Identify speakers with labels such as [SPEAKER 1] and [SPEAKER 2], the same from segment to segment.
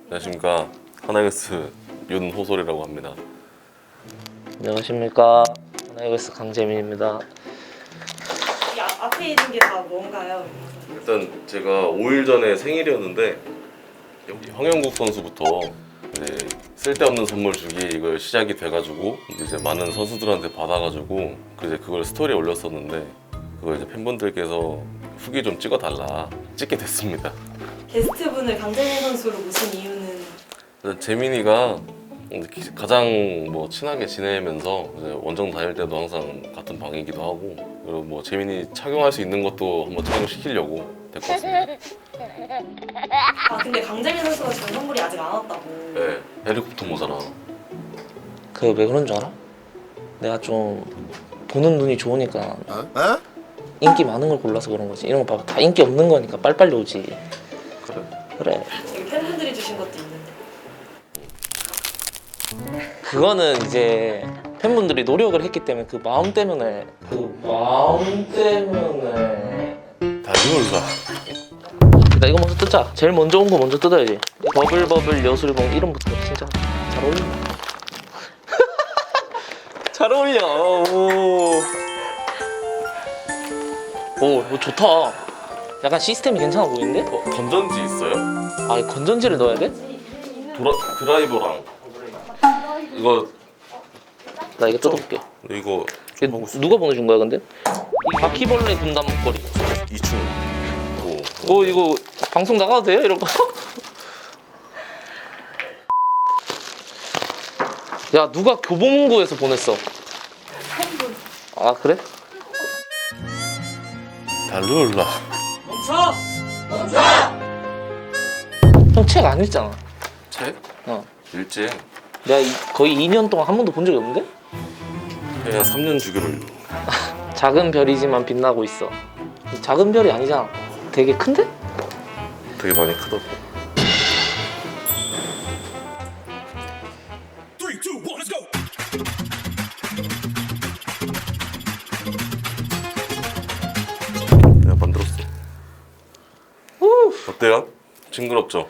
[SPEAKER 1] 안녕하십니까. 하나이글스 윤호솔이라고 합니다.
[SPEAKER 2] 안녕하십니까. 하나이글스 강재민입니다.
[SPEAKER 3] 이 앞에 있는 게 다 뭔가요?
[SPEAKER 1] 일단 제가 5일 전에 생일이었는데 여기 황영국 선수부터 이제 쓸데없는 선물 주기 이걸 시작이 돼가지고 이제 많은 선수들한테 받아가지고 이제 그걸 스토리에 올렸었는데 그걸 이제 팬분들께서 후기 좀 찍어달라 찍게 됐습니다.
[SPEAKER 3] 게스트분을 강재민 선수로 모신 이유는
[SPEAKER 1] 일단 재민이가 가장 뭐 친하게 지내면서 이제 원정 다닐 때도 항상 같은 방이기도 하고 그리고 뭐 재민이 착용할 수 있는 것도 한번 착용시키려고 데리고 왔습니다.
[SPEAKER 3] 아 근데 강재민 선수가 지금 선물이 아직 안 왔다고.
[SPEAKER 1] 네, 헬리콥터 모자라.
[SPEAKER 2] 그 왜 그런 줄 알아? 내가 좀 보는 눈이 좋으니까 인기 많은 걸 골라서 그런 거지. 이런 거 봐봐. 다 인기 없는 거니까 빨리빨리 오지.
[SPEAKER 1] 그래?
[SPEAKER 2] 그래.
[SPEAKER 3] 여기 팬분들이 주신 것도 있는데.
[SPEAKER 2] 그거는 이제 팬분들이 노력을 했기 때문에 그 마음 때문에
[SPEAKER 1] 다 이걸로.
[SPEAKER 2] 일단 이거 먼저 뜯자. 제일 먼저 온 거 먼저 뜯어야지. 버블버블 여술봉 이름부터 진짜 잘 어울린다. 잘 어울려. 오, 이거 좋다. 약간 시스템이 괜찮아 보이는데?
[SPEAKER 1] 건전지 있어요?
[SPEAKER 2] 아, 건전지를 넣어야 돼?
[SPEAKER 1] 드라이버랑 이거
[SPEAKER 2] 나 이거 뜯어볼게.
[SPEAKER 1] 이거
[SPEAKER 2] 이거 누가 보내준 거야 근데? 이 바퀴벌레 분담 목걸이.
[SPEAKER 1] 2층.
[SPEAKER 2] 이거 방송 나가도 돼요? 이런 거? 야, 누가 교보문고에서 보냈어? 아, 그래?
[SPEAKER 1] 달룰라.
[SPEAKER 2] 형 책 안 읽잖아.
[SPEAKER 1] 책?
[SPEAKER 2] 어.
[SPEAKER 1] 일제.
[SPEAKER 2] 내가 거의 2년 동안 한 번도 본 적이 없는데?
[SPEAKER 1] 그냥 3년 주기로.
[SPEAKER 2] 작은 별이지만 빛나고 있어. 작은 별이 아니잖아. 되게 큰데?
[SPEAKER 1] 되게 많이 크더라고.
[SPEAKER 4] 3, 2, 1, let's go!
[SPEAKER 1] 내가 만들었어. 어때요? 징그럽죠?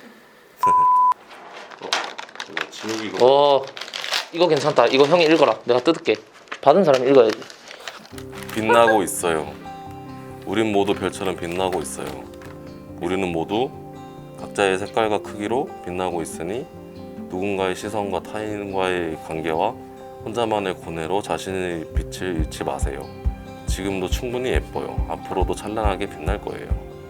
[SPEAKER 1] 진욱이 이거
[SPEAKER 2] 이거 괜찮다. 이거 형이 읽어라. 내가 뜯을게. 받은 사람이 읽어야지.
[SPEAKER 1] 빛나고 있어요. 우린 모두 별처럼 빛나고 있어요. 우리는 모두 각자의 색깔과 크기로 빛나고 있으니 누군가의 시선과 타인과의 관계와 혼자만의 고뇌로 자신의 빛을 잃지 마세요. 지금도 충분히 예뻐요. 앞으로도 찬란하게 빛날 거예요.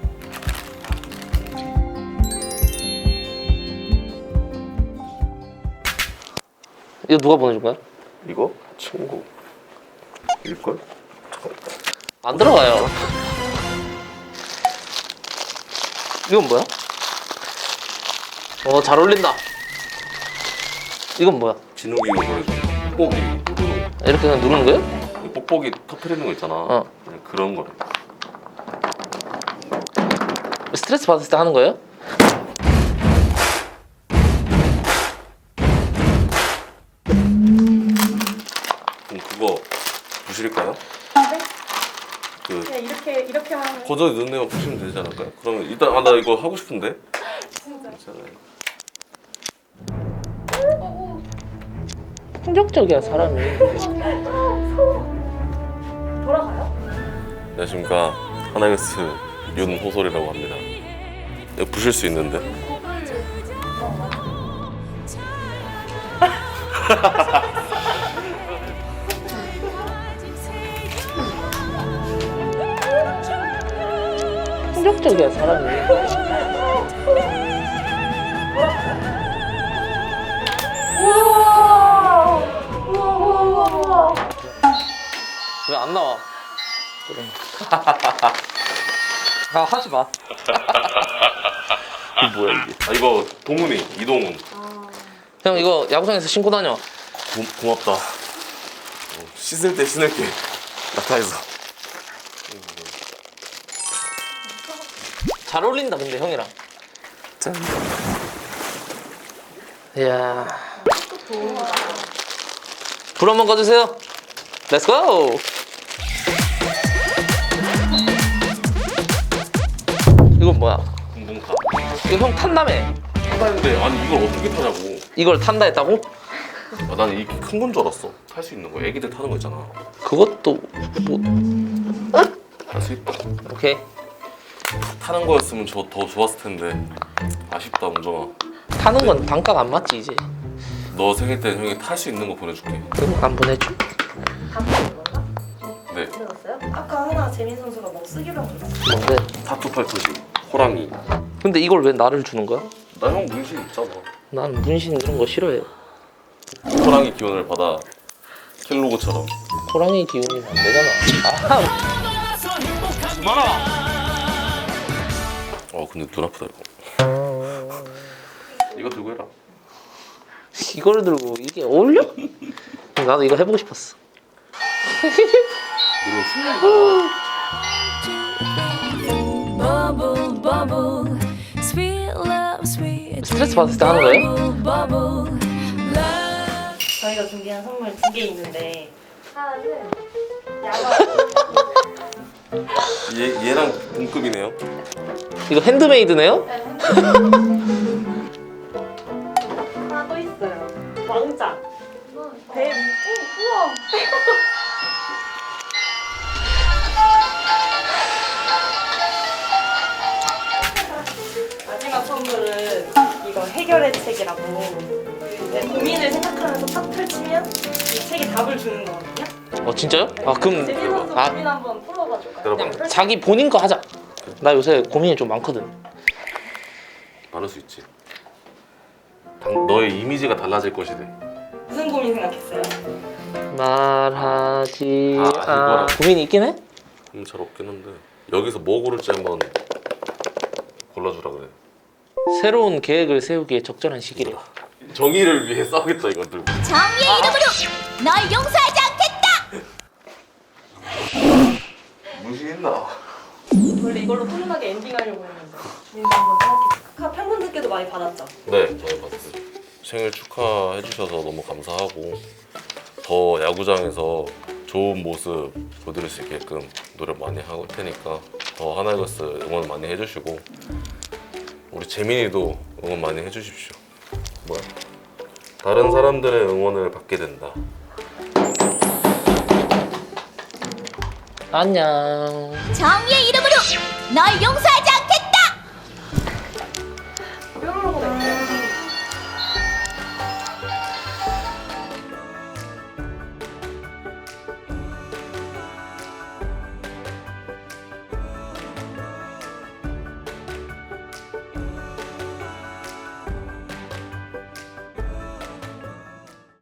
[SPEAKER 2] 이거 누가 보내준 거야?
[SPEAKER 1] 이거? 친구 일걸?
[SPEAKER 2] 안 들어가요. 이건 뭐야? 잘 어울린다. 이건 뭐야?
[SPEAKER 1] 진욱이 이거 보내줘. 뽁뽁이 누르는
[SPEAKER 2] 이렇게 그냥 누르는 거예요?
[SPEAKER 1] 거. 뽁뽁이 터트리는 거 있잖아. 그냥 그런 거래.
[SPEAKER 2] 스트레스 받을 때 하는 거예요?
[SPEAKER 1] 그럼 그거 부실까요?
[SPEAKER 3] 네?
[SPEAKER 1] 그
[SPEAKER 3] 그냥 이렇게만 하면
[SPEAKER 1] 거저에 넣는 데만 부시면 되지 않을까요? 그러면 일단 나 이거 하고 싶은데.
[SPEAKER 3] 진짜.
[SPEAKER 1] 괜찮아요.
[SPEAKER 2] 폭력적이야 사람이.
[SPEAKER 3] 돌아가요?
[SPEAKER 1] 안녕하십니까. 하나이글스 윤호솔이라고 합니다. 이거 부실 수 있는데.
[SPEAKER 2] 폭력적이야 사람이. 왜 안 나와? 그래. 하지 마.
[SPEAKER 1] 이게 뭐야 이게? 이거 동훈이 이동훈.
[SPEAKER 2] 형 이거 야구장에서 신고 다녀.
[SPEAKER 1] 고맙다. 씻을 때 신을게. 낙타에서.
[SPEAKER 2] 잘 어울린다 근데 형이랑.
[SPEAKER 1] 짠.
[SPEAKER 2] 이야. 불 한번 꺼주세요. 렛츠 고. 이건 뭐야?
[SPEAKER 1] 공공카.
[SPEAKER 2] 이거 형 탄다며.
[SPEAKER 1] 탄다 했는데 아니 이걸 어떻게 타냐고.
[SPEAKER 2] 이걸 탄다 했다고?
[SPEAKER 1] 아, 나는 이게 큰 건 줄 알았어. 탈 수 있는 거. 애기들 타는 거 있잖아.
[SPEAKER 2] 그것도 뭐
[SPEAKER 1] 탈 수 있다.
[SPEAKER 2] 오케이.
[SPEAKER 1] 타는 거였으면 저 더 좋았을 텐데. 아쉽다 웅정아.
[SPEAKER 2] 타는 건 단가가 안 맞지 이제.
[SPEAKER 1] 너 생일 때 형이 탈 수 있는 거 보내줄게.
[SPEAKER 2] 그럼 안 보내줘.
[SPEAKER 3] 감사한 건가?
[SPEAKER 1] 네.
[SPEAKER 3] 들었어요? 아까 하나 재민 선수가 뭐 쓰기로 한 거 있었어.
[SPEAKER 2] 뭔데?
[SPEAKER 1] 타투 팔토시. 호랑이.
[SPEAKER 2] 근데 이걸 왜 나를 주는 거야?
[SPEAKER 1] 나 형 문신 있잖아.
[SPEAKER 2] 나는 문신 이런 거 싫어해.
[SPEAKER 1] 호랑이 기운을 받아. 킬로그처럼.
[SPEAKER 2] 호랑이 기운이면 안 되잖아.
[SPEAKER 1] 근데 눈 아프다 이거. 이거 들고 해라.
[SPEAKER 2] 이거를 들고 이게 어울려? 나도 이거 해보고 싶었어.
[SPEAKER 4] Bubble, bubble, sweet love, sweet
[SPEAKER 2] 스트레스 받을 때 하는 거예요?
[SPEAKER 4] bubble, love.
[SPEAKER 3] 저희가 준비한 선물 2개 있는데 하나는 야광
[SPEAKER 1] 얘랑 동급이네요.
[SPEAKER 2] 이거 핸드메이드네요?
[SPEAKER 3] 하나 또 있어요. 왕자. 뱀. 우와. 마지막 선물은 이거 해결의 책이라고 이제 고민을 생각하면서 딱 펼치면 이 책이 답을 주는 거거든요.
[SPEAKER 2] 진짜요? 그럼
[SPEAKER 3] 재민 선수
[SPEAKER 2] 아,
[SPEAKER 3] 고민 한번 풀어봐 줄까요?
[SPEAKER 1] 들어봐.
[SPEAKER 2] 그냥 자기 본인 거 하자. 나 요새 고민이 좀 많거든.
[SPEAKER 1] 많을 수 있지. 너의 이미지가 달라질 것이래.
[SPEAKER 3] 무슨 고민 생각했어요?
[SPEAKER 2] 말하지
[SPEAKER 1] 이거랑.
[SPEAKER 2] 고민이 있긴 해?
[SPEAKER 1] 잘 없긴 한데 여기서 뭐 고를지 한번 골라주라 그래.
[SPEAKER 2] 새로운 계획을 세우기에 적절한 시기래.
[SPEAKER 1] 정의를 위해 싸우겠다 이것들.
[SPEAKER 4] 정의의 이름으로 널 용서하지 않겠다.
[SPEAKER 1] 무시했나?
[SPEAKER 3] 원래 이걸로 훈훈하게 엔딩하려고 했는데 재민 씨 한번 생각해볼까? 팬분들께도 많이 받았죠?
[SPEAKER 1] 네, 저희 봤어요. 생일 축하해 주셔서 너무 감사하고 더 야구장에서 좋은 모습 보여드릴 수 있게끔 노력 많이 할 테니까 더 하나이글스 응원 많이 해주시고 우리 재민이도 응원 많이 해주십시오. 뭐야? 다른 사람들의 응원을 받게 된다.
[SPEAKER 2] 안녕.
[SPEAKER 4] 정의의 이름으로 널 용서하지